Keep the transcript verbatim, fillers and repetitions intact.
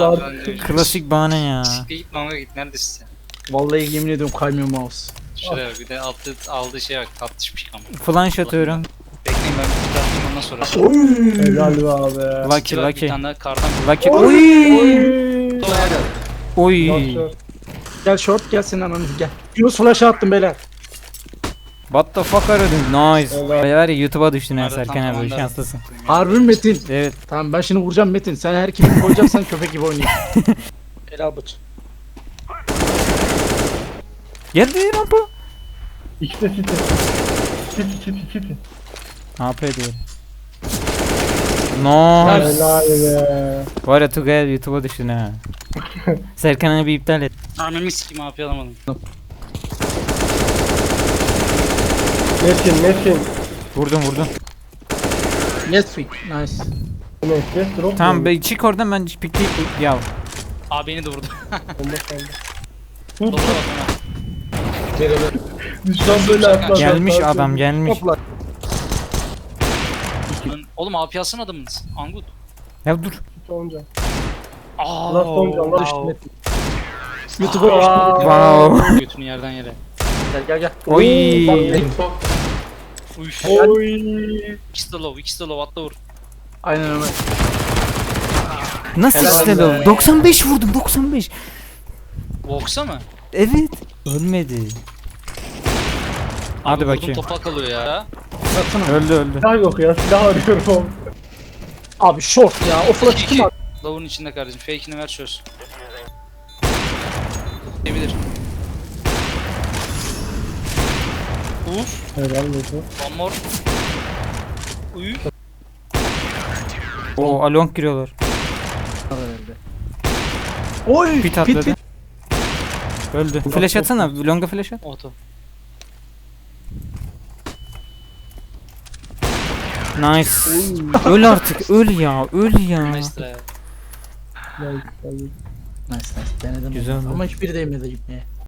var. Klasik bahane ya. Siktir git manga git neredesin sen? Vallahi yemin ediyorum kaymıyor mouse. Şuraya bak bir de altı aldığı şeye bak tatlışmış ama. Flanş atıyorum. Bekleyin ben bir tutayım ondan sonra. Helal be abi. Lucky Bak, Bir lucky. tane daha kardan Lucky. Oy. Oy. Oy. Oy. Gel short gel senin ananı gel. Yunus flash attım beyler. What the fuck are you doing? Nice. Evet. Var ya YouTube'a düştün ha Nerede Serkan tam abi zamanda- şanslısın. Harbi mi Metin? Evet. Tamam ben şimdi vuracağım Metin. Sen her kimi koyacaksan köpek gibi oynayayım. Helal bıç. Geldi rampa. İkisi city. City city city. A P diyor. No. Helal be. Var ya Tugay YouTube'a düştün ha. Serkan abi iptal et. Ananı sikeyim A P alamadım. Metin Metin. Vurdum vurdum. Yes fit. Nice. Neyse drop. Tamam be çık oradan ben pikleyip ya. A beni de vurdu. Bomba kaldı. Dola bak Düşman böyle atlar. Gelmiş adam gelmiş. Topla. ona. Oğlum A P alsın adamınız. Angut. Ya dur. Onca. Aaa. Last onca. Allah Düştü düştü. Metin. YouTube'a düştü. Wow. Götünü yerden yere. Gel gel gel. Oy. Uyş. Oy. İkisi de low, ikisi de low atla vur. Aynen öyle. Nasıl Helal işte be. o? doksan beş vurdum doksan beş. Vox'a mı? Evet. Ölmedi. Hadi Abi vurdum, bakayım. topa kalıyor ya. Baksana. Öldü öldü. Silah yok ya. Silah arıyorum. Abi short ya. O flash kim attı? Love'un içinde kardeşim. Fake'ini ver çöz. Diyebilir. Uf. Helal olsun. One more. Uy. O along giriyorlar. Oy. Pit Pit atladı. pit. Öldü. Flash atsana. Longa flash at. Oto. Nice. Öl artık. Öl ya. Öl ya. Maestra ya. Nice, nice. Nice nice. Denedim. Güzel oldu. Ama hiçbiri değmedi gitmeye.